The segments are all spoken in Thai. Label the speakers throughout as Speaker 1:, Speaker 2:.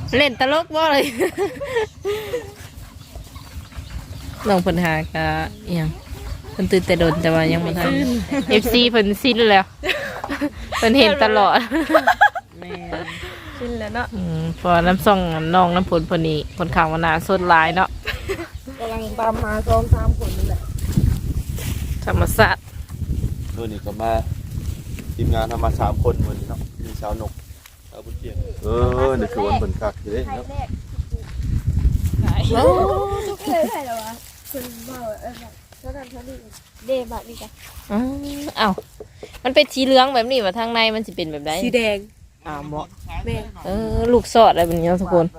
Speaker 1: เล่นตลกบ่เลยน้องเพิ่นหากะอิหยังเพิ่นตื่นแต่โดนแต่ว่ายังบ่ทัน FC เพิ่นสิ้นแล้วเพิ่นเห็นตลอด
Speaker 2: แม่สิ้นแล้วเนาะ
Speaker 1: พอน้ำส่องน้องน้ำผลเพิ่นนี่คนข้างว่าหน้าสดหลายเนาะ
Speaker 2: กำลังตามหา2-3คนนั่นแหละ
Speaker 1: ธรรมศาสตร์
Speaker 3: ตัวนี้ก็มาทีมงานทำมา3คนมื้อนี้เนาะมีสาวนกสาวบุญเกียงนี่คือวันเพิ่นคักอยู่เด้เนาะ
Speaker 2: โอ้ทุกเลยได้แล้ววะคุณบ่แบบเท่านั้นเท่านี้เดบักนี่จ้ะ
Speaker 1: อ้าวมันเป็นสีเหลืองแบบนี้ว่าทางในมันสิเป็นแบบใด
Speaker 2: สีแดง
Speaker 1: เหมาะ
Speaker 2: แม่
Speaker 1: ลูกสอดอะไรแบบนี้ทุกคน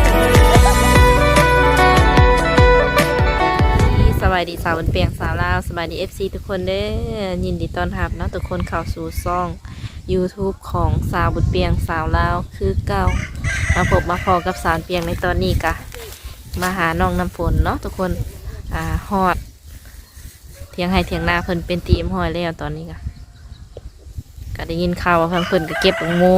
Speaker 1: สบายดีสาวบนเปียงสาวลาวสบายดี FC ทุกคนเด้อยินดีต้อนรับนะทุกคนเข้าสู่ช่อง YouTube ของสาวบนเปียงสาวลาวคือเก่ามาพบมาพอกับสาวเปียงในตอนนี้กะมาหาน้องน้ำฝนเนาะทุกคนฮอดเถียงให้เถียงนาเพิ่นเป็นตีมหอยแล้วตอนนี้ก็ได้ยินข่าวว่าเพิ่นก็เก็บของงู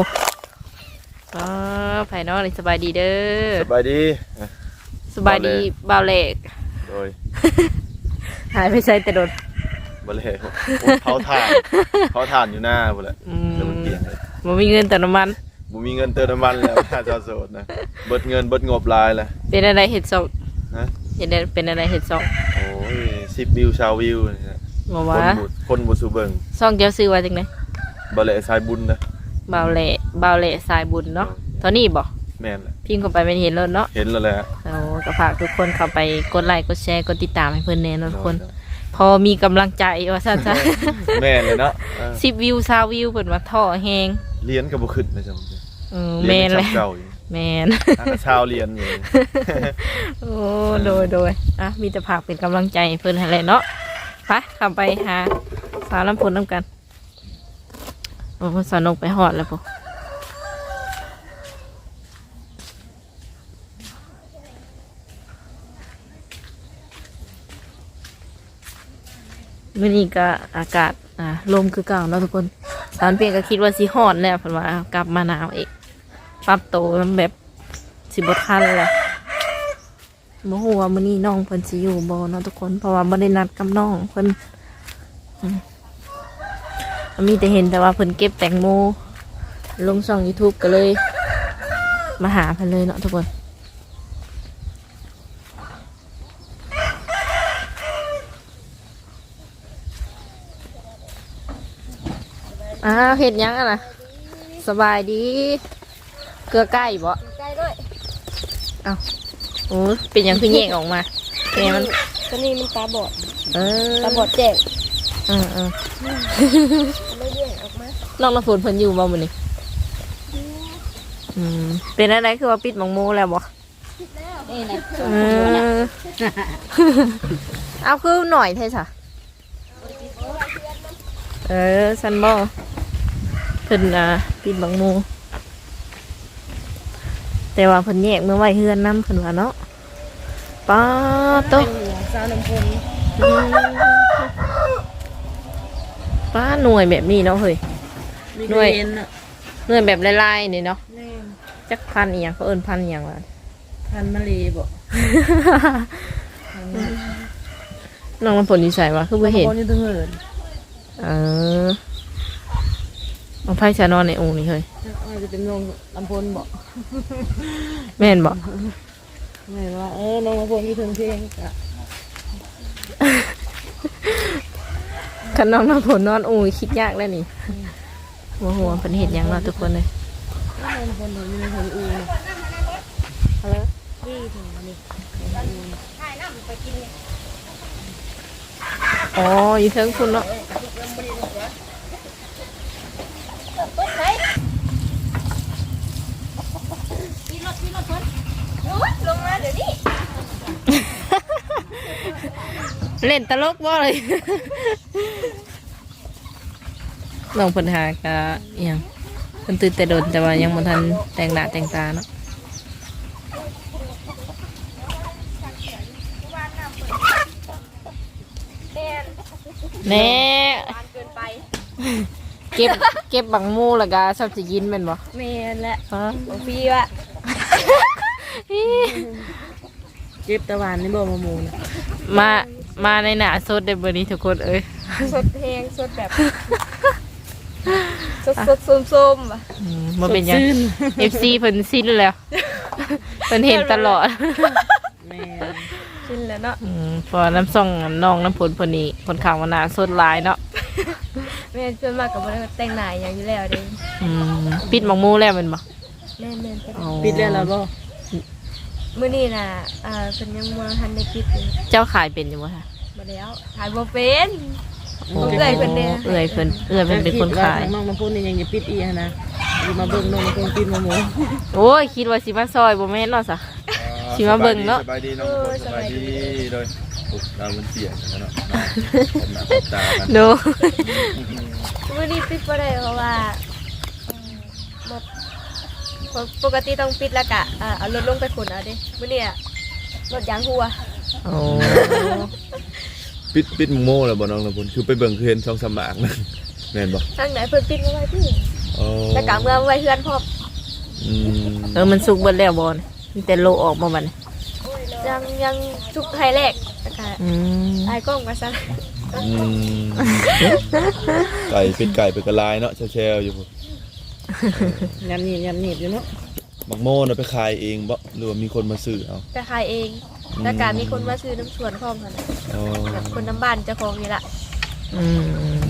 Speaker 1: ไผ่นอกเลยสบายดีเด้อ
Speaker 3: สบายดี
Speaker 1: บ่าวเล็ก
Speaker 3: โดย
Speaker 1: หายไปใส่แต่โดน
Speaker 3: บ่เล็กเขาทานอยู่หน้าพุ่นแหละแล้วมันเกี่ยงเลย
Speaker 1: บ่มีเงินเติมน้ำมัน
Speaker 3: บ่มีเงินเติมน้ำมันแล้วถ้าจะโสดนะเบิดเงินเบิดงบหลายแล้ว
Speaker 1: เป็นอะไรเฮ็ดซอก
Speaker 3: ฮะ
Speaker 1: เป็นอะไรเฮ็ดซอก
Speaker 3: โอ้ย10วิว20วิวนี่นะ
Speaker 1: บ่ว่า
Speaker 3: คนบ่สู่เบิ่ง
Speaker 1: ซอกเจ้าซื้อว่าจังได๋
Speaker 3: บ่เละสายบุญนะ
Speaker 1: บ่าวเละสายบุญเนาะเท่านี้บ่
Speaker 3: แม่นแหละ
Speaker 1: พิมพ์เข้าไปไม่เห็นแล้วเนาะ
Speaker 3: เห็นแล้วแหละ
Speaker 1: ก็ฝากทุกคนเข้าไปกดไลค์กดแชร์กดติดตามให้เพิ่นแน่เนาะทุกคนพอมีกำลังใจว่าซั่นซะ
Speaker 3: แม่นเลยเนาะ
Speaker 1: 10วิว20วิวเพิ่นว่าท้อแฮง
Speaker 3: เรียนก็บ่ขึ้นนะจ๊ะ
Speaker 1: แม่นเลยแม่น
Speaker 3: ชาวเรียนอยู่
Speaker 1: โอ้โดยมีแต่ฝากเป็นกำลังใจให้เพิ่นให้แหละเนาะไปเข้าไปหาสาวน้ำฝนนำกันโอ้สาวนกไปฮอดแล้วพุ่นวันนี้ก็อากาศลมคือเก่าเนาะทุกคนสารเปลี่ยนก็คิดว่าสิฮอดแล้วเพิ่นว่ากลับมาหนาวอีกปรับตัวมันแบบสิบ่ทันแล้วบ่ฮู้ว่ามื้อนี้น้องเพิ่นสิอยู่บ่เนาะทุกคนเพราะว่าบ่ได้นัดกับน้องเพิ่นมีแต่เห็นแต่ว่าเพิ่นเก็บแตงโมลงช่อง YouTube ก็เลยมาหาเพิ่นเลยเนาะทุกคนเห็ดยังอ่ะนะสบายดีเกลือใกล้บ่
Speaker 2: ใกล้ด้วย
Speaker 1: โอ้เป็นยังคือแยกออกมาแกมัน
Speaker 2: ตอนนี้มันตาบอดตาบอดแจ้งไม่แยกออกมา
Speaker 1: ลองน้ำฝนเพิ่นอยู่บ่มื้อนี้เป็นอะไรคือว่าปิดหมองโมแล้วบ่
Speaker 2: ปิดแล้วนี่นะ
Speaker 1: เอาคือหน่อยเท่ซะซันบ่เพิ่นปิดบังโมแต่ว่าเพิ่นแยกเมื่อไว้เฮือนน้ำเพิ่นว่าเนาะป้าโต
Speaker 2: สาวน้ำฝน
Speaker 1: ป้าหน่วยแบบนี้เนาะเฮ้ยหน่วยแบบลายๆนี่เนาะจักพันอีหยังเขาเอิ้นพันอีหยังวะ
Speaker 2: พันมะลีบ่
Speaker 1: น้องน้ำฝนนิสัยวะคือบ่เห็นมันไพ่ชานอนในองค์นี่เฮ้ย
Speaker 2: จะเป็นน้องลำพลบ่
Speaker 1: แม่นบ่
Speaker 2: แม่ว่าน้องลำพลมีเพลงเพลง
Speaker 1: คันน้องน้ำฝนนอนองค์คิดยากแล้วนี่หัวเป็นเห็ดยังเนาะทุกคนเลย
Speaker 2: น้องลำพลอยู่ในหัวอูอะไรนี่ถึงนี่
Speaker 1: อ๋ออยู่เทิงคุณเนาะ
Speaker 2: ลงมาเดี๋ยวนี้
Speaker 1: เล่นตลกบ่เลยน้องเพิ่นหากะอิหยังเพิ่นตื่นแต่โดนแต่ว่ายังบ่ทันแต่งหน้าแต่งตาเนาะแน่เก็บบังมูแล้วก็ชอบสิกินแม่นบ่
Speaker 2: แม่นแหละบ่พี่ว่ะ
Speaker 4: เก็บตะวันนี่บ่มามูน
Speaker 1: มาในหน้าสดได้บ่นี้ทุกคนเอ้ย
Speaker 2: สดเพลงสดแบบสดส้มๆอ่ะ
Speaker 1: บ่เป็นหยัง FC เพิ่นสิ้นแล้วเพิ่นเห็นตลอด
Speaker 4: แม่
Speaker 2: กินแล้วเนาะ
Speaker 1: พอน้ำส่องน้องน้ำผลเพิ่นนี่คนข้างว่าหน้าสดหลายเนาะ
Speaker 2: แม่ส่วนมากก็บ่ได้แต่งหน้าอย่างอยู่แล้วเด้
Speaker 1: ปิดหมองมูแล้วแมันบ่
Speaker 2: แม่นๆ
Speaker 1: อ๋อ
Speaker 4: ปิดแล้วล่ะบ่
Speaker 2: มื้อนี้น่ะเพิ่นยังบ่ทันได้ปิดอยู่
Speaker 1: เจ้าขายเป็นอยู่บ่คะ
Speaker 2: บ่แล้วถ่ายบ่เป็นต้องเอื้อยเพิ่นเด้
Speaker 1: เอื้อยเพิ่นเป็นคนขาย
Speaker 4: น้องน้ำพุนี่ยังจะปิดอีกนะอยู่มาเบิ่งน้องน้ำพุปิดมามู
Speaker 1: โอ้ยคิดว่าสิมาซอยบ่แม่นเนาะซะ สิมาเบิ่งเนาะ
Speaker 3: สบายดีน้องคนสบายดีโดยปุ๊บดาวบนเสียงกันเนาะหน้าตากัน
Speaker 1: ดู
Speaker 2: มื้อนี้ปิดบ่ได้เพราะว่าบ่ปกติต้องปิดแล้วก็เอารถลงไปขนเอาเด้มื้อนี้รถยางหัว
Speaker 1: โอ้
Speaker 3: ปิดมึงโม่แล้วบ่น้องน้ำพลคือไปเบิ่งคือเห็นช่องสมากนั่นแม่นบ่
Speaker 2: ทางไหนเพิ่นปิดเอาไว้พี่
Speaker 3: อ๋อ
Speaker 2: แล้วก็เมื่อไว้เฮือนพร้อม
Speaker 1: มันสุกเบิดแล้วบ่นมีแต่โลออกมาบัดนี้
Speaker 2: ยังทุกไฮแรกแล้วก็
Speaker 1: อืม
Speaker 2: ไอ้กล้องมาซะ
Speaker 3: ไก่เป็นไก่เป็นกระลายเนาะแช่ๆอยู่พุ่น
Speaker 4: ยำหนีบอยู่เนาะ
Speaker 3: บักโม่น่ะไปขายเองบ่หรือว่ามีคนมาซื้อเอา
Speaker 2: จะขายเองแล้วก็มีคนมาซื้อน้ำสวนพร้อมกันน่ะ
Speaker 3: อ๋อ
Speaker 2: แบบคนน้ำบ้านเจ้าของนี่ล่ะ
Speaker 1: อืม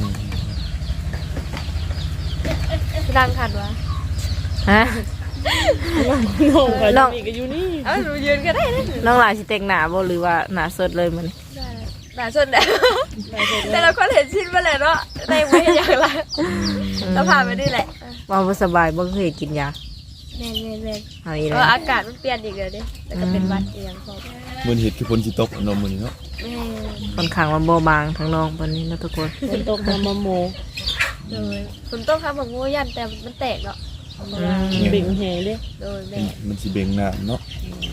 Speaker 2: ดังคันวะ
Speaker 1: ฮะ
Speaker 4: น้องก็มีก็อยู่นี่
Speaker 2: เอ้าหนูยืนก็ได้นะ
Speaker 1: น้องหลายสิแต่งหน้าบ่หรือว่าหน้าสดเลยมัน
Speaker 2: หลายส่วนแล้วแต่เราก็เห็นชิ้นมาเลยเนาะได้ไม่อย่างไรเราผ่านไปนี่แหละ
Speaker 1: ว่าบ่สบายบ่เคยกินยา
Speaker 2: แม่น
Speaker 1: เอาอีก
Speaker 2: ๆ
Speaker 1: แล้ว
Speaker 2: อากาศมันเปลี่ยนอีกแล้วดิแล้วก็เป็นหวัดอีกอย่างพอ
Speaker 3: มื้อนี้เฮ็ดคือฝนสิตกเนาะมื้อนี้เนาะ
Speaker 2: แม่
Speaker 1: ค่อนข้างว่าบ่บางทั้งน้องปานนี้เนาะทุกคน
Speaker 4: ฝนตกมาโม
Speaker 2: เลยฝนต้องทำของงูยันแต่มันแตกเนาะ
Speaker 4: เบ่งแหเลย
Speaker 2: โดยแม่
Speaker 3: มันสิเบ่งน้ำเนาะ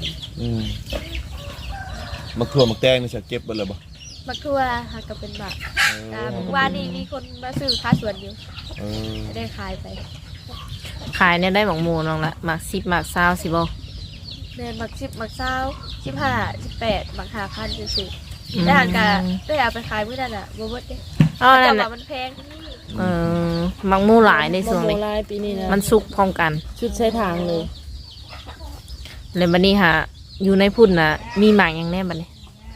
Speaker 3: มักทั่วมักแตงนี่จะเก็บเบิดแล้วบ่
Speaker 2: มักทั่วหาก็เป็นบาทว่านี่มีคนมาซื้อค้าสวนอยู่
Speaker 3: เออ
Speaker 2: ได้ขายไป
Speaker 1: ขายเนี่ยได้หมองหมูน้องละหมัก10หมัก20สิบ่
Speaker 2: แม่นมัก10มัก20 15 18มัก5,000จังซี่ได้หันก็ได้เอาไปขายมื้อนั้นน่ะบ่หมดเด้
Speaker 1: อ๋อนั่
Speaker 2: แต่
Speaker 1: น
Speaker 2: ว่า
Speaker 1: น่ะ
Speaker 2: มันแพง
Speaker 1: หมักหมูหลายในช่วงนี้
Speaker 4: ลายปีนี้นะ
Speaker 1: มันสุกพร้อมกัน
Speaker 4: ชุดใช้ทางเลย
Speaker 1: เลยบัดนี้ฮะอยู่ในพุ่นน่ะมีหมากหยังแน่บัดนี้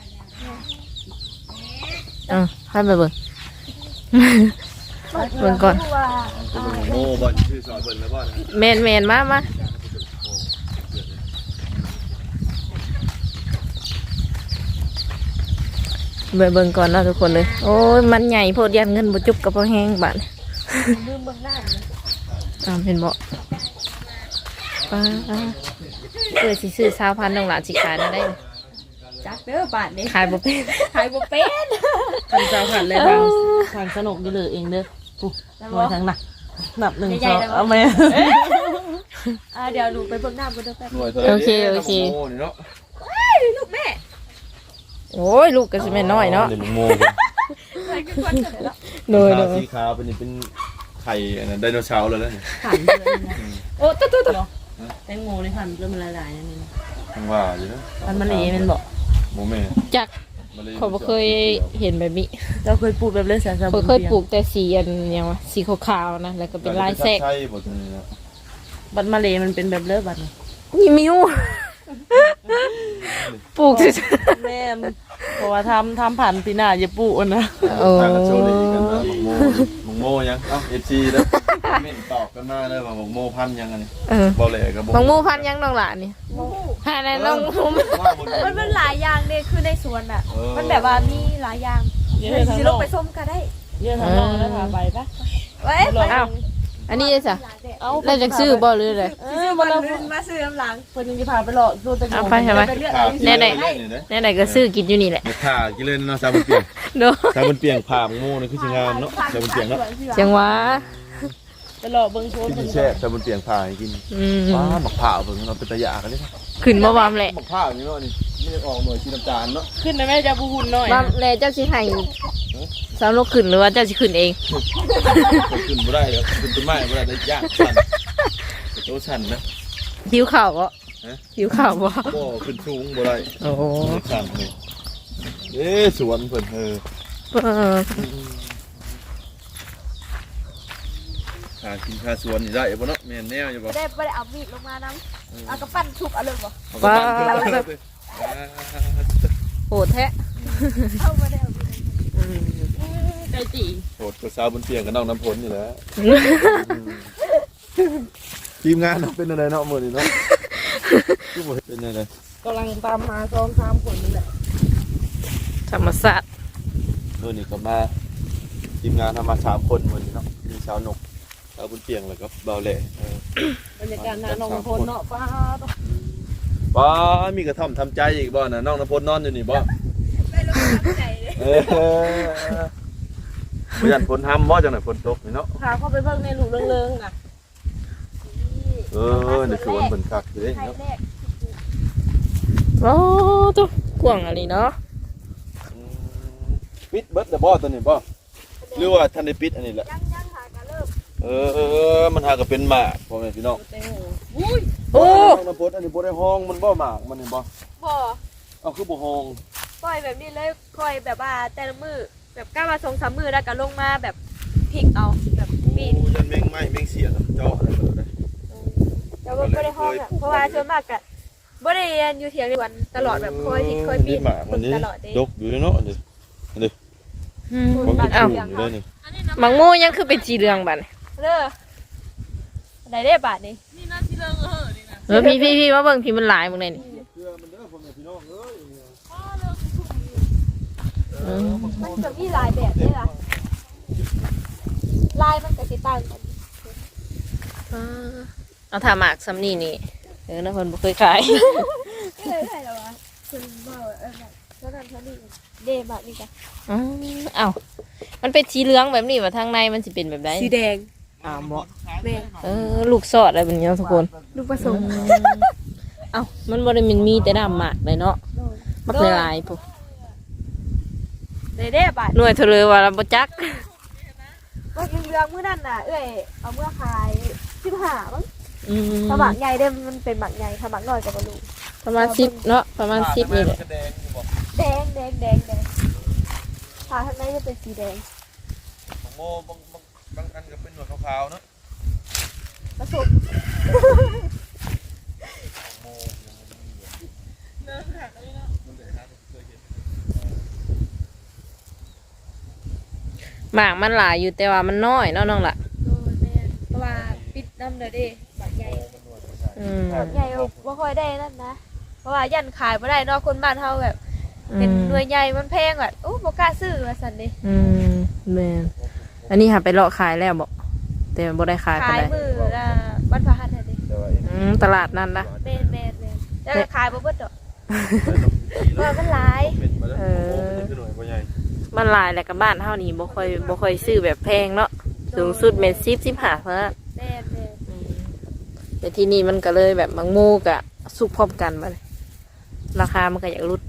Speaker 1: ให้ไปเบิ่ง เบิ่งก่อน
Speaker 2: ว่า
Speaker 3: โม่บ่ชื่อซอยเบิ่นแล้วบ่นะ
Speaker 1: แมนมาเบิ่งก่อนเนาะทุกคนเลยโอ้ยมันใหญ่โพดยันเงินบ่จุบกับบ่แห้งบัด
Speaker 2: ลืมเบิ่งหน้าเลย
Speaker 1: เป็นบ่ป้าเกิดสิซื้อ20,000น้องหลานสิขายได้
Speaker 2: จักเด้อบาทนี้
Speaker 1: ขายบ่เป็น
Speaker 2: ขายบ่เป็น
Speaker 4: ทางเจ้าขันเลยทางสนุกอยู่เลยเองเด้อปุ๊บมาทางหนับ1 2เอาไหม
Speaker 2: เดี๋ยวหนูไปเบิ่งหน้าบ่ได้แป๊บ
Speaker 3: หน่วยเท่าไหร่
Speaker 1: โอเค
Speaker 3: โม่นี่เนาะ
Speaker 2: ลูกแม่
Speaker 1: โอ้ยลูกก็สิแม่นน้อยเนาะ
Speaker 3: นี่มึงโม่เพิ่น
Speaker 2: ใครคือคนเสร็จแล้ว
Speaker 1: โดย
Speaker 3: ขาสีขาวเป็นนี่เป็นไข่อันนั้นไดโนเสาร์แล้วนี่
Speaker 4: ขันเลยนะ
Speaker 1: โอ้ตุ๊ด
Speaker 4: แตงโมในขันเริ่มละลายนั่นนี่
Speaker 3: ทั้งว่าอยู่นะ
Speaker 4: มันเละมันบอก
Speaker 3: โมแม่
Speaker 1: จักเขาบ่เคยเห็นแบบนี้
Speaker 4: เราเคยปลูกแบบเล่นสารส
Speaker 1: เขาเคยปลูกแต่สีอันยังวะสีขาวๆนะแล้วก็เป็นลายแทรก
Speaker 3: ใช่บ่ตัวนี้นะ
Speaker 4: บัตรมาเลมันเป็นแบบเลิศบัตร
Speaker 1: นี่มิวปลูกสิ
Speaker 4: แม่เพราะว่าทำผ่านปีหน้าอย่าปลูกนะ
Speaker 1: โอ้
Speaker 3: ทางกันโชว์ดีกันนะมึงโม่ยังเอ้า FC เด้อเม่นตอบกันมาเด้อว่ามึงโม่พันยังอันนี้ บ่แหลกก็บ่
Speaker 1: บางมูพันยังน้องหลานนี่หาในน้องมู
Speaker 3: ว่าบ่
Speaker 2: มันหลายอย่างเนี่ยคือในสวนอ่ะ มันแบบว่ามีหลายอย่าง
Speaker 4: เยอะทาง
Speaker 2: สิ
Speaker 4: น
Speaker 2: ล
Speaker 4: อง ก
Speaker 2: ไปส้มก็ได้
Speaker 4: เยอะทางนอกแล้วพาไปปะ
Speaker 2: เว้ยไป
Speaker 1: อ้าวอันนี้จ้ะ
Speaker 4: เอา
Speaker 1: ได้จากซื้อบ่หรืออะไร
Speaker 2: มาเรามาซื้อน้ำหลัง
Speaker 4: คนยังจะพาไปหลอกดูตะ
Speaker 1: เอาไปใช่ไหม
Speaker 2: ไปเลือก
Speaker 3: ขา
Speaker 2: เอา
Speaker 1: แน่ๆก็ซื้อกินอยู่นี่แหละ
Speaker 3: เม็ดขากินเล่นเนาะซาบุนเปียง
Speaker 1: เนาะ
Speaker 3: ซาบุนเปียงผ่ามึงโม่นี่คือสิงามเนาะซาบุนเปียงเนาะ
Speaker 1: จังหวะ
Speaker 4: ไปหลอกเบิ้งโชว์
Speaker 3: กินแซ่บซาบุนเปียงผ่าให้กินว้าหมักผ่าเบิ่งเราเป็นตะยากันนี่
Speaker 1: ขึ้นบ่วามแหละ
Speaker 3: หมักผ่านี่เนาะนี่นี่ออกหน่วยสีน้ำตาลเนาะ
Speaker 4: ขึ้นนะแม่จะบูหุ่นหน่อยว
Speaker 1: ามแลเจ้าสิให้สาวลูกขึ้นหรือว่าเจ้าสิขึ้นเอง
Speaker 3: ขึ้นบ่ได้เด้อขึ้นต้นไม้บ่ได้ได้ยากสั่นโตสั่นนะ
Speaker 1: หิวข้าวก็
Speaker 3: อ
Speaker 1: หิวข้าวบ่
Speaker 3: บ่ขึ้นสูงบ่ได้
Speaker 1: โอ้โห
Speaker 3: ข้างนี่สวนเพิ่นหากินค่าสวนนี่ได้บ่เนาะแม่นแนวอยู่บ่
Speaker 2: บ่ได้เอามีดลงมานํเอากระปั้นทุบเอาเลยบ่
Speaker 1: ว้าวโหดแท้
Speaker 2: เอาบ่ได้เอามีด
Speaker 4: ใจจี
Speaker 3: โหดกับสาวบนเตียงกับน้องน้ำพลนี่แหละทีมงานเป็นอะไรเนาะมื้อนี้เนาะคือบ่เป็นอะไร
Speaker 4: กำลังตามหา2-3คนนี่แหละ
Speaker 1: ธรรมศาสตร์
Speaker 3: มื้อนี้ก็มาทีมงานทำมา3คนมื้อนี้เนาะมีสาวนกสาวบนเตียงแล้วก็เบาแหล่
Speaker 4: บรรยากาศหน้าน้องพลเนาะป้า
Speaker 3: ป้ามีกระท่อมทำใจอีกบ่น่ะน้องน้ำพลนอนอยู่นี่บ่
Speaker 2: ได้ลงมาใจเลย
Speaker 3: บ่ยันฝนทำบ่จังได๋ฝนตกนี่เนาะ
Speaker 4: พาเข้าไปเบิ่งในหลูกเริงๆน่ะ
Speaker 3: นี่คือวันเบิ่นคักอยู่เด้
Speaker 2: ไทย
Speaker 3: เนาะ
Speaker 2: แรก
Speaker 1: โอ้ตุ๊กวางอะไรเนาะ
Speaker 3: ปิดเบิดแต่บ่ตัวนี้บ่หรือว่าท่านได้ปิดอันนี้แหละ
Speaker 2: ยังหากะเริ่ม
Speaker 3: มันหาก็เป็นหมากพ่อแม่พี่น้อง
Speaker 4: แตงโมอุ้ย
Speaker 1: โอ้
Speaker 3: น้ำพดอันนี้บ่ได้ห้องมันบ่หมากมันนี่บ่
Speaker 2: บ่
Speaker 3: เอาคือบ่ห้อง
Speaker 2: ปล่อยแบบนี้เลยปล่อยแบบว่าแต่ละมือแบบก้าวมา2-3 มือแล้วก็ลงมาแบบพลิกเอาแบบปีน
Speaker 3: ยันแมงไม้แมงเสียเจาะอะไรแบบนั้น
Speaker 2: แต่ว่าบ่ได้ห้องอ่ะเพราะว่าส่วนมากก็บ่ได้เรียนอยู่เถียงวันตลอดแบบค่อยพลิกค่อยปีน
Speaker 3: หมากมันนี่
Speaker 2: ตลอดเด้
Speaker 3: ดกอยู่เนาะนี่นี่ของกิน
Speaker 1: อ้าว
Speaker 3: อยู่เลยนี่
Speaker 1: มังโมยังคือเป็นสีเหลืองบัดนี่
Speaker 2: เด้อได้ได้บาทนี่
Speaker 4: นี่น่าสิเริงนี่นะ
Speaker 1: พี่มาเบิ่งพี่มันหลายมึงเลยนี่
Speaker 3: เพื่อมันเด้อพ่อแม่พี่น้องเอ้ย
Speaker 2: มันจะมีหลายแบบเด้ล่ะลายมันก็สิต่างกัน
Speaker 1: เอาถาหมากซ้ำนี่นี่นะคนบ่เคยขาย
Speaker 2: ก็เลยได้แล้ววะคุณบ่แบบเท่านั้นเท่านี้เด้บาทนี่จ้ะ
Speaker 1: อ้าวมันเป็นสีเหลืองแบบนี้ว่าทางในมันสิเป็นแบบใด
Speaker 2: สีแดง
Speaker 1: อ้าวบ่
Speaker 2: แม่
Speaker 1: ลูกซอดอะไรแบบนี้เนาะทุกคน
Speaker 2: ลูกผสม
Speaker 1: เอ้ามันบ่ได้มีแต่ดำหมากเลยเนาะมักหลายๆพวก
Speaker 2: ได้บาท
Speaker 1: หน่วยเทเลว่าเราบ่จัก
Speaker 2: ว่าเรื่องมื้อนั้นน่ะเอ้ยเอาเมื่อขาย15มั้ง
Speaker 1: อืม
Speaker 2: ถ้าหมักใหญ่เด้มันเป็นหมักใหญ่ถ้าหมักน้อยก็บ่รู้
Speaker 1: ประมาณ10เนาะประมาณ10นี่แหละ
Speaker 2: แดงถ้าข้างในจะเป็นสีแดง
Speaker 3: โมบางอันก็เป็นหนวดขาวๆเนาะ
Speaker 2: ผสม
Speaker 1: หมากมันหลายอยู่แต่ว่ามันน้อยเนาะน้องล่ะ
Speaker 2: โอ้ยแม่เพราะว่าปิดน้ำเลยดิหมักใหญ่
Speaker 1: อืม
Speaker 2: ใหญ่บ่ค่อยได้นั่นนะ เพราะว่ายันขายบ่ได้เนอกคนบ้านเฮาแบบเห็นหน่วยใหญ่มันแพงแบบโอ้บ่กล้าซื้อว่าซั่นดิ
Speaker 1: อืมแม่นอันนี้หาไปเลาะขายแล้วบ่แต่บ่ได้ขายปาน
Speaker 2: ขาย
Speaker 1: ใด
Speaker 2: มือละวันพฤหัสดิ
Speaker 3: แต่ว่า
Speaker 1: ตลาดนั่นล่ะ
Speaker 2: แม่นแต่ก็ขายบ่เบิดดอกว่ามันหลาย
Speaker 3: เป็นมาแล้วมันคือหน่วยบ่ใหญ่
Speaker 1: มันหลายแหละกับบ้านเฮานี่บ่ค่อยซื้อแบบแพงเนาะสูงสุดแม่น10-15เท่านั้น
Speaker 2: แม่น
Speaker 1: แต่ที่นี่มันก็เลยแบบบางโมกะสุกพร้อมกันมาเลยราคามันก็อยากรุด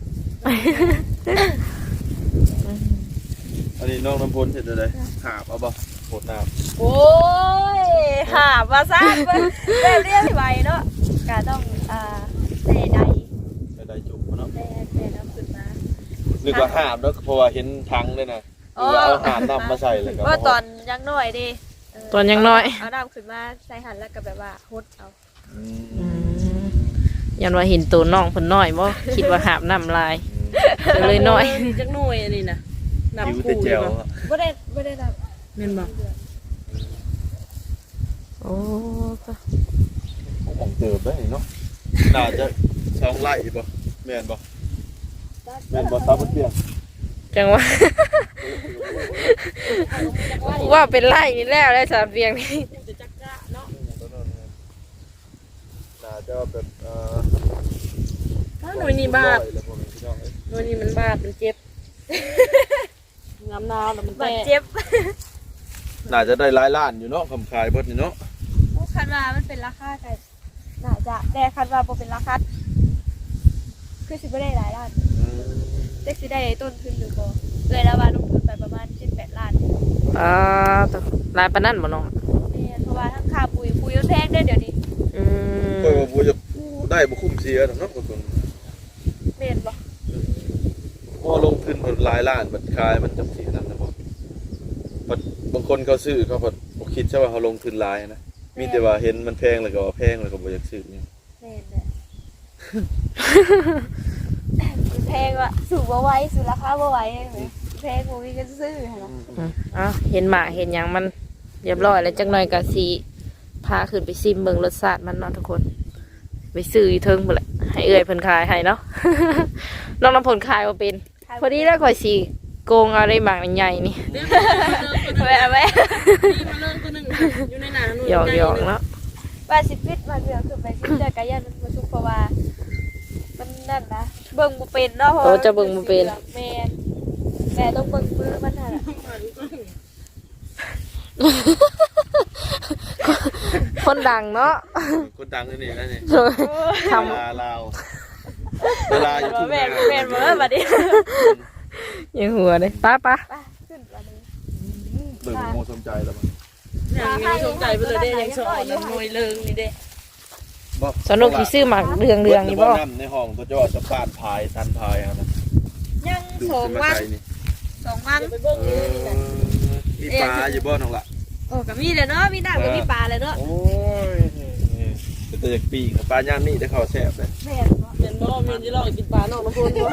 Speaker 3: อันนี้น้องน้ำพลเห็นอะไรหาบเอาบ่โหดน้ำ
Speaker 2: โอ้ยหาว่าซ่านเบิ่งแบบเรียกไหวเนาะก็ต้องใส่ใด
Speaker 3: ได้จุกเนาะ
Speaker 2: แม่น้ำขึ้นมา
Speaker 3: นึกว่าหาบแล้วเพราะว่าเห็นทังด้วยนะเอาหาบน้ำมาใส่เลยก็
Speaker 2: ว่าตอนยังน้อยดิ
Speaker 1: ตอนยังน้อย
Speaker 2: เอาน้ำขึ้นมาใส่หันแล้วก็แบบว่าฮดเอา
Speaker 1: ยันว่าเห็นตัวน้องเพิ่นน้อยบ่คิดว่าหาบน้ำลายก็เลยน้อย
Speaker 4: นี่จักหน่วยอันนี้นะ
Speaker 3: คิ้ว
Speaker 4: น้ำ
Speaker 3: แต่
Speaker 4: คู่
Speaker 3: แจ
Speaker 4: เลยว
Speaker 3: อะ
Speaker 2: บ่ได้น้
Speaker 4: แม่นบ่
Speaker 1: โอ้
Speaker 3: ของเติมได้เนาะน่าจะ2ไร่บ่แม่นบ่
Speaker 2: ำ
Speaker 3: แม่นบ่ซาบ่เปียก
Speaker 1: จังว่า ว่าเป็นไร่นี่แล้วสามเพียงนี่
Speaker 4: จะจักกะเนาะ
Speaker 3: น่าจะแบบ
Speaker 4: ถ้าหน่วยนี้บาทหน่วยนี้มันบาทมันเจ็บน้ำนาวแล้วมัน
Speaker 2: บัด
Speaker 4: แตะ
Speaker 2: เจ็บ
Speaker 3: น่าจะได้หลายล้านอยู่เนาะคำขายเบิดนี่เนาะ
Speaker 2: คันว่ามันเป็นราคากันน่าจะแต่คันว่าบ่เป็นราคาคือสิบ่ได้หลายล้านแต่สิได้ต้นทุนหรือบ่เลยแล้วว่าลงทุนไปประมาณ7-8 ล้าน
Speaker 1: ตัวลายปานนั้นบ่น้อง
Speaker 2: แม่นเพราะว่าทั้งค่าปุ๋ยมันแพงเด้อเดี๋ยวนี้
Speaker 1: อืม
Speaker 3: เออบ่จะได้บ่คุ้มเสียดอกเนาะบางคน
Speaker 2: แม่นบ่
Speaker 3: พอลงทุนเพิ่นหลายล้านบัดขายมันจำสินั่นนะบ่บัดบางคนเขาซื้อเขาบ่คิดใช่ว่าเขาลงทุนหลายนะมีแต่ว่าเห็นมันแพงแล้วก็ว่าแพงแล้วก็บ่อยากซื้อนี่
Speaker 2: แม่นแหละมันแพงว่ะสูงบ่ไหวสูงราคาบ่ไหวเห็นไหมแพงบ่มีเงินซื้อหั่นล่ะ
Speaker 1: อ้าวเห็นหมาเห็นหยังมันเรียบร้อยแล้วจักหน่อยก็สิพาขึ้นไปซิมเบิ่งรสชาติมันเนาะทุกคนไปซื้ออยู่เทิงพุ่นแหละให้เอื้อยเพิ่นขายให้เนาะ น้องน้ำผลขายบ่เป็นพอดีแล้วข่อยสิโกงเอาได้หมากใหญ่ๆนี่
Speaker 4: เดี๋ยวมาเลิกตัวหนึ่งอยู่ในหนาหนู
Speaker 1: หยอกๆเนาะ
Speaker 2: ว่าสิฟิตมาเถื่อคือไปซิเจอกันยันมันบ่สุกเพราะว่ามันนั่นนะเบิ่งบ่เป็นเนาะเพราะ
Speaker 1: โอ้
Speaker 2: ว่า
Speaker 1: จะเบิ่งบ่เป็น
Speaker 2: แม่นแม่ต้องเบิ่งมือมันหั่นน่ะ
Speaker 1: คนดังเนาะ
Speaker 3: คนดังนี่นะนี่
Speaker 1: ท
Speaker 3: เวลาลาวเวลาอยู่ทุ่ง
Speaker 2: แม่
Speaker 3: นาน
Speaker 2: แม่นบ่บัดนี้
Speaker 1: ำยังหัวเลยป้า
Speaker 2: ไปขึ้นบัดนี้
Speaker 3: เบิ่งโมสมใจแล้วมัน
Speaker 4: อย่างนี้สนใจไปเลยได้ยังสอนมวยเลิงนี่เด้
Speaker 1: สนุกที่ซื้อหมากเรืองๆนี่บ่
Speaker 3: น้ำในห้องตัวจอสะพานพายตันพายครับนะ
Speaker 2: ยัง
Speaker 3: ดู
Speaker 2: สอง
Speaker 3: ขึ้นมา
Speaker 2: วัน
Speaker 3: ไกลนี่
Speaker 2: 2 วัน
Speaker 4: ไปเบิ่ง
Speaker 3: เอ
Speaker 4: นี่
Speaker 3: อมีปลาอยู่บ่น้องละ
Speaker 2: โอ้ก็มีแล้วเนาะมีน้ำก็มีปลาแล้วเนาะ
Speaker 3: โอ้ยเป็นตัวจากปีกปลาย่างนี่ได้เข้าแซ่บเลย
Speaker 2: แม่นบ่
Speaker 4: เห็นบ่มีที่ลองกินปลานอกน้ำพุนบ่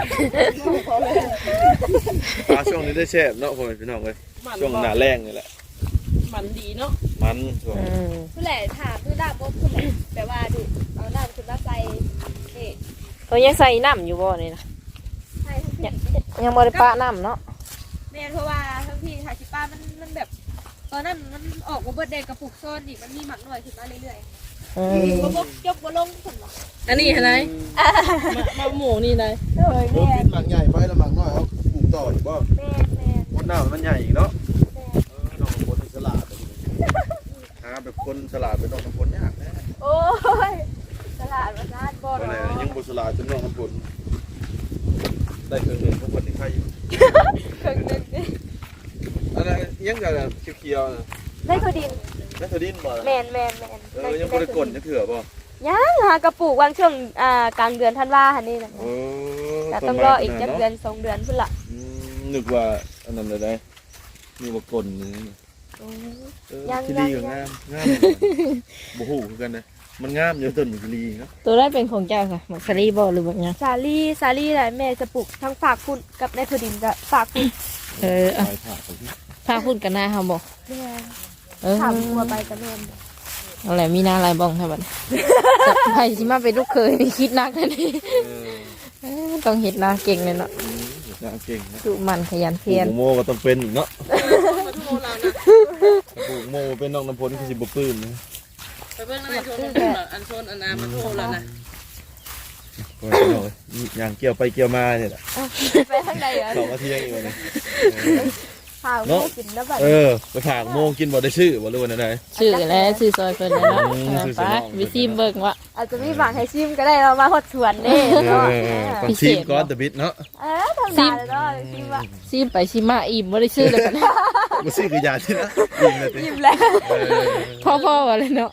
Speaker 3: ปลาช่วงนี้ได้แซ่บเนาะพ่อแม่พี่น้องเลยช่วงหน้าแรงนี่แหละ
Speaker 4: มันดีเนาะ
Speaker 3: มันช่วง
Speaker 2: ผู้แหล่ถามคือน้ำบ่ผู้แหล่แปลว่าดูเอาน้ำขึ้นมาใส่นี่
Speaker 1: เขายังใส่น้ำอยู่บ่นี่นะ
Speaker 2: ให้ทั้งพี่
Speaker 1: ยังบ่ได้ปะน้ำเนาะ
Speaker 2: แม่นเพราะว่าทั้งพี่ทาชิป้ามันแบบ ตอนนั้นมันออกมาเบิดแดงกระปุกโซนอีกมันมีหมักหน่อยขึ้นมาเรื่อย
Speaker 1: อืม
Speaker 2: ๆบ่ยกบ่ลงขึ้นหรอ
Speaker 4: อันนี้อะไรมาหมูนี่ได้
Speaker 2: เอ้ย
Speaker 3: โอ้
Speaker 2: แม่
Speaker 3: กินหมักใหญ่ไปแล้วหมักน้อยเอาปลูกต่ออยู่บ่
Speaker 2: แม่แม่
Speaker 3: คนหน้ามันใหญ่อีกเนาะ
Speaker 2: แม่
Speaker 3: น้องคนฉลาดหาแบบคนฉลาดเป็นน้องน้ำพลยากนะ
Speaker 2: โอ้ยตลาดมาซาดบ่
Speaker 3: คน
Speaker 2: เนา
Speaker 3: ไหน
Speaker 2: ะ
Speaker 3: ยังบุฉลาดจนน้องน้ำพลได้เคยเห็นพวกคนที่ใครอยู่
Speaker 2: ครึ่งหนึงนี่
Speaker 3: อะไรยังกับเขียวๆนะ
Speaker 2: ได้คือดิน
Speaker 3: แล้วเธอดิ้นบ่ล่ะ
Speaker 2: แม่น
Speaker 3: ยังบ่ได้กลนยังเถื่อบ่
Speaker 2: ยังหากระปุกวางช่วงกลางเดือนธันวาหั่นนี่นะ
Speaker 3: โอ้
Speaker 2: แต่ต้องรออีกจักเดือน2เดือนพุ่นล่ะ
Speaker 3: นึกว่าอันนั้นเลยได้มีบ่กลนนี่ที่ดีกับงามงามบ่ฮู้คือกันนะมันงามอยู่ต้นมันลีเนาะ
Speaker 1: ตัวได้เป็นของเจ้าค่ะหมักสลีบ่หรือแบบยัง
Speaker 2: ซาลี่แหละแม่จะปลูกทั้งฝากพุ่นกับในพื้นดินก็ฝากพุ่น
Speaker 1: อ่ะ
Speaker 3: ลายผ้าของพี่
Speaker 1: พาพูดกันหน้าเฮาบ่
Speaker 2: แม่
Speaker 1: ถา
Speaker 2: ถาม มวัวไปกับแม่
Speaker 1: เอาแหละมีหน้าลายบ้องให้บัดไผสิมาเป็นลูกเคยนี่คิดหนักแน่นี่ต้องเฮ็ดหน้าเก่งเลยเนาะ
Speaker 3: น่าเก่งนะ
Speaker 1: ดุมันขยัน
Speaker 3: ปลู
Speaker 1: เพียร
Speaker 3: กโมก็ต้องเป็นอีกเนาะ
Speaker 4: มาทุโมเรานะ
Speaker 3: ปลูกโมเป็นน้องน้ำพลคือสิบ่ปลื้มนะ
Speaker 4: ไปเบิ่งในโซนอันโซนอันนามาทุโมเรานะ
Speaker 3: ก็ไปหน่อยอย่างเกี่ยวไปเกี่ยวมาเนี่ยแหละ
Speaker 2: ไปทางใดอ่ะ
Speaker 3: 2 นาทีอีกวันนี้
Speaker 2: พาลูกกินแล้วแบบ
Speaker 3: ไปฝากโมกินบ่ได้ชื่อบ่รู้ว่าไหน
Speaker 1: ชื่อแล้วชื่อซอยเพิ่นแล้วเนาะ
Speaker 3: ชื่อ
Speaker 1: ไป
Speaker 3: สนอง
Speaker 1: วิซีมเบิ่งว่า
Speaker 2: อาจจะมีบางให้ชิมก็ได้เรามาหดสวนนี่เนาะ
Speaker 3: ต้องชิมก่อนแต่บิดเนาะ
Speaker 2: ทำได้แล้วเนาะชิมว่า
Speaker 1: ซีมไปซีมาอิ่มบ่ได้ชื่อเลยกัน
Speaker 3: บ่ซื้อคือยาที่นะกินเลยติ
Speaker 2: ชิมแล้ว
Speaker 1: พ่อๆว่าเลยเนาะ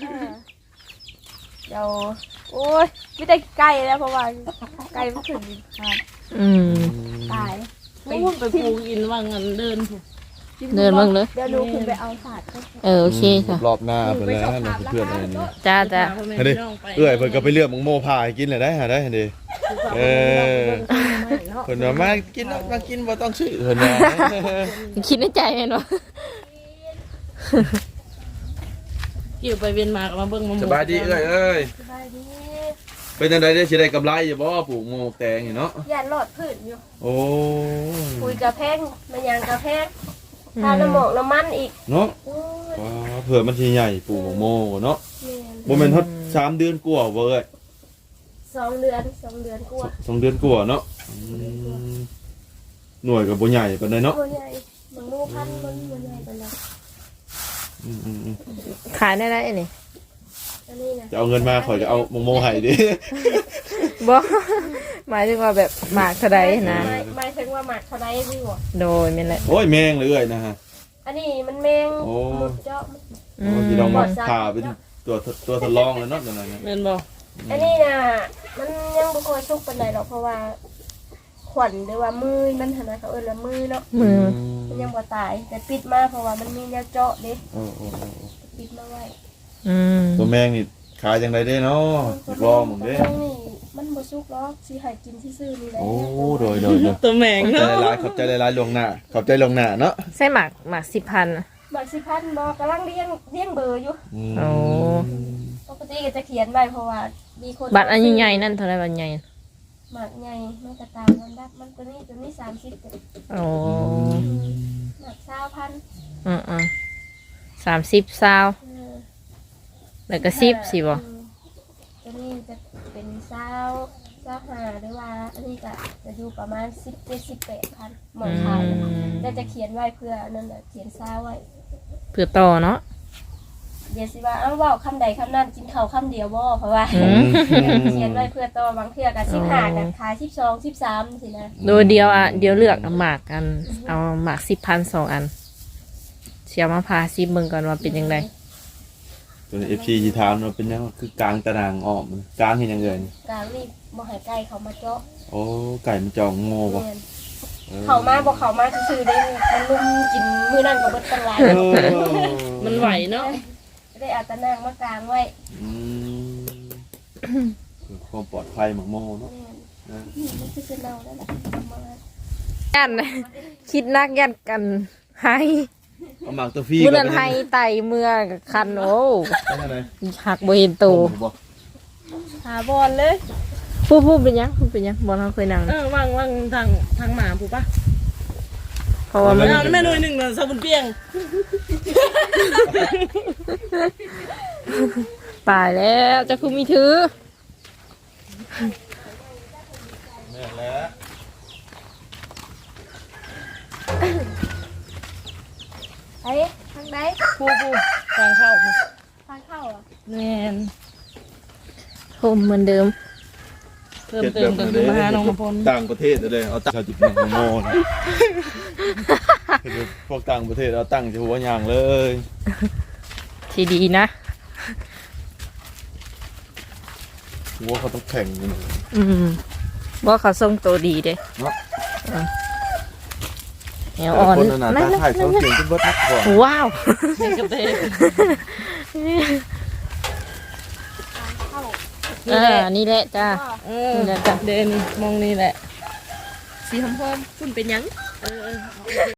Speaker 2: เดี๋ยวโอ้ยไม่ได้ไก่แล้วเพราะว่าไก่มันขึ้นครับ
Speaker 1: อืม
Speaker 2: ตาย
Speaker 4: ไปปลูกอินว่างันเดินถูก
Speaker 1: เดินเบิ่งเลย
Speaker 2: เดี๋ยวหนูขึ้นไปเอาศาสตร์
Speaker 1: โอเคค่ะ
Speaker 3: รอบหน้าไปแล้วนะเพื่อนๆอะไรนี่
Speaker 1: จ้า
Speaker 3: เอ้ยเพิ่นก็ไปเลือกมังโมพาให้กินเลยได้หาได้เด้เพิ่นว่ามากินมากินบ่ต้องซื้อเพิ่นว่า
Speaker 1: คิดในใจแม่นบ่
Speaker 4: เกี่ยวไปเวียนมากับมาเบิ่งมาหมู
Speaker 3: สบายดีเอ้ย
Speaker 2: สบายดี
Speaker 3: เป็นจังไดได้สิได้กำไรอยู่บ่ปลูกโมแตงนี่เนาะ
Speaker 2: อย่าหลอดพื้นอยู่
Speaker 3: โอ้
Speaker 2: คุยกระแพงมันยังกระแพงทาน้ำหมอกน้ำมันอีก
Speaker 3: เนาะ
Speaker 2: โอ้ย
Speaker 3: เผื่อมันสิใหญ่ปลูกโมเนาะ
Speaker 2: แม่น
Speaker 3: บ่แม่นฮอด3 เดือนกว่าบ่เอ้ย
Speaker 2: 2 เดือนกว่า
Speaker 3: 2 เดือนกว่าเนาะหน่วยก็บ่ใหญ่ปานใดเนาะ
Speaker 2: ตัวใหญ่บางโมพันมันใหญ่ไปแล้ว
Speaker 1: ขายได้นี่
Speaker 2: อันนี้นะ
Speaker 3: จะเอาเงินมาข่อยจะเอาโมให้ดิ
Speaker 1: บ่หมายถึงว่าแบบหมากเท่าใดนะ
Speaker 2: ไม่ถึงว่าหมักเท่าไรพี่หัว
Speaker 1: โดยแม่นแหละ
Speaker 3: โอ้ยแมงเลยนะฮะ
Speaker 2: อันนี้มันแมง
Speaker 3: โอ้
Speaker 2: หมดเจาะ
Speaker 3: ที่เรามาผ่าเป็นตัวทดลองแล้วเนาะนั่นน่ะ
Speaker 4: แม่นบ่
Speaker 3: แ
Speaker 2: อันนี้น่ะมันยังบ่ค่อยสุกปานใดหรอกเพราะว่าขวัญหรือว่ามือมันหั่นน่ะเขาเอิ้นว่ามือเนาะ
Speaker 1: มือ
Speaker 2: มันยังบ่ตายแต่ปิดมาเพราะว่ามันมีแนวเจาะเด้
Speaker 3: โอ้
Speaker 2: ปิดมาไว้
Speaker 1: อืม
Speaker 3: ตัวแมงนี่ขายจังไดเด้เนาะอยากลองมึงเด้
Speaker 2: นี่มันบ่สุกหรอกสิให้กินซื่อๆนี่แหละ
Speaker 3: โอ้โดย
Speaker 4: ตัวแมง
Speaker 3: ขอบใจ
Speaker 4: เนาะ
Speaker 3: หลายๆขอบใจหลายๆลวงหน้าขอบใจลวงหน้าเนาะ
Speaker 1: ใส่หมัก10,000
Speaker 2: บักสิพันบ่กำลังเลี้ยงเบอร์อยู่
Speaker 1: โอ้
Speaker 2: ปกติก็จะเขียนไว้เพราะว่ามีคน
Speaker 1: บัตรอันใหญ่ๆนั่นเท่าไหร่บัตรใหญ่
Speaker 2: หมากใหญ่มันก็ตามลำดับมันตัวนี้30ตัว
Speaker 1: โอ้
Speaker 2: หมาก20,000
Speaker 1: อือ30ซาวแล้วก็10สิบ่
Speaker 2: ตัวนี้จะเป็น25หรือว่าอันนี้ก็จะอยู่ประมาณ17-18,000หมอนขายแล้วจะเขียนไว้เพื่อนั่นแหละเขียน20ไว้
Speaker 1: เพื่อต่อเนาะ
Speaker 2: เดี๋ยวสิว่าเว้าคำใดคำนั้นกินข้าวคำเดียวบ่เพราะว่า เขียนไว้เพื่อต่อบางเทื่อก็15กันขาย12 13สินะ
Speaker 1: โดยเดียวเดี๋ยวเลือกเอาหมากกันเอาหมาก10,000 2อันเสียมาพาซิเบิ่งก่อนว่าเป็นจังได
Speaker 3: ตัว FC สิถามว่าเป็นยังคือกลางตารางอ้อมกลางเฮ็ดหยังเอ่ย
Speaker 2: กลางนี่บ่ให้ไก่เขามาเจาะ
Speaker 3: โอ้ไก่มันจองโง่บ่
Speaker 2: แม่นเขามาบ่เขามาซื่อๆได้มันลุมกินมื้อนั้นก็เบิดตั้งหลาย
Speaker 4: มันไหวเนาะ
Speaker 2: ได้เอาตะนางมากลางไว้
Speaker 3: อืมเพื่อความปลอดภัยหมักโมเนาะ
Speaker 2: แม่นนี่มันคือจะเน่าแล้วล่ะเอามา
Speaker 1: ยันคิดนักยันกันให้
Speaker 3: เอาหมากตัวฟรี
Speaker 1: มื้อนั้นให้ไตเมื่อกับคันโอ้
Speaker 3: เป็นจังได๋
Speaker 1: หักบ่เห็นโต
Speaker 3: บ่
Speaker 2: หาบอลเลย
Speaker 1: ผู้เป็นหยังผู้เป็นหยังบ่เราเคยนั่ง
Speaker 4: ว่างทางหมาผูกปะ
Speaker 1: เพราะว่ามัน
Speaker 4: เอาแม่หน่วยหนึ่งเลยซาบุนเปียง
Speaker 1: ตายแล้วจะคือมีถือ
Speaker 3: แม่นแล้ว
Speaker 2: ไอ้ทางไหน
Speaker 4: ผู้ทางเข้าผู้
Speaker 2: ทางเข้าอ่ะ
Speaker 4: แมน
Speaker 1: โฮมเหมือนเดิม
Speaker 4: เพิ่มเติมก็คือมาหาน้องมาพล
Speaker 3: ต่างประเทศเลยเอาตั้งชาวจิตหมักโมนะพวกต่างประเทศเอาตั้งจะหัวอย่างเลย
Speaker 1: ที่ดีนะ
Speaker 3: หัวเขาต้องแข่งกัน
Speaker 1: ว่าเขาทรงตัวดีเด้
Speaker 3: เนาะ
Speaker 1: แนวอ่อน
Speaker 3: คนน่ะตาถ่ายเขาเสียงขึ้นเบิดทักก่อน
Speaker 1: ว้าว
Speaker 4: เด็กกับเด็ก
Speaker 2: เข้า
Speaker 1: นี่แหละจ้า
Speaker 4: นี่แหละเดนมองนี่แหละสีหอมๆคุณเป็นยัง